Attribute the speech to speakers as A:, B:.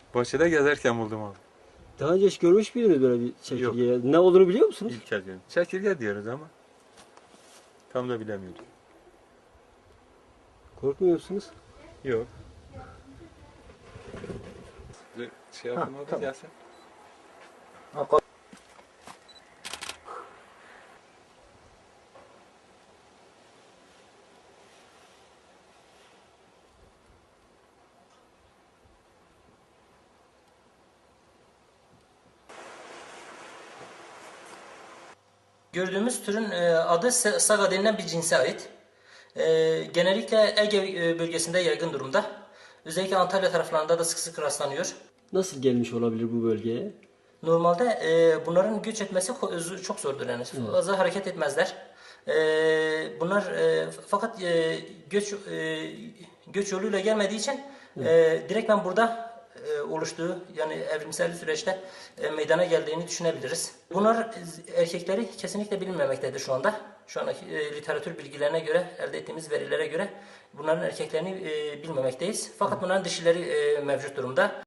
A: Bahçede gezerken buldum abi.
B: Daha önce hiç görmüş müydünüz böyle bir çekirge? Ne olduğunu biliyor musunuz?
A: İlk kez gördüm. Çekirge diyoruz ama tam da bilemiyoruz.
B: Korkmuyor musunuz?
A: Yok. Şey yaptım abi
C: tamam.
A: gelsin.
D: Gördüğümüz türün adı saga denilen bir cinse ait. Genellikle Ege bölgesinde yaygın durumda. Özellikle Antalya taraflarında da sık sık rastlanıyor.
B: Nasıl gelmiş olabilir bu bölgeye?
D: Normalde bunların göç etmesi çok zordur yani. Fazla hareket etmezler. Bunlar fakat göç yoluyla gelmediği için direktmen burada oluştuğu yani evrimsel süreçte meydana geldiğini düşünebiliriz. Bunlar erkekleri kesinlikle bilinmemektedir şu anda. Şu andaki literatür bilgilerine göre, elde ettiğimiz verilere göre bunların erkeklerini bilmemekteyiz. Fakat bunların dişileri mevcut durumda.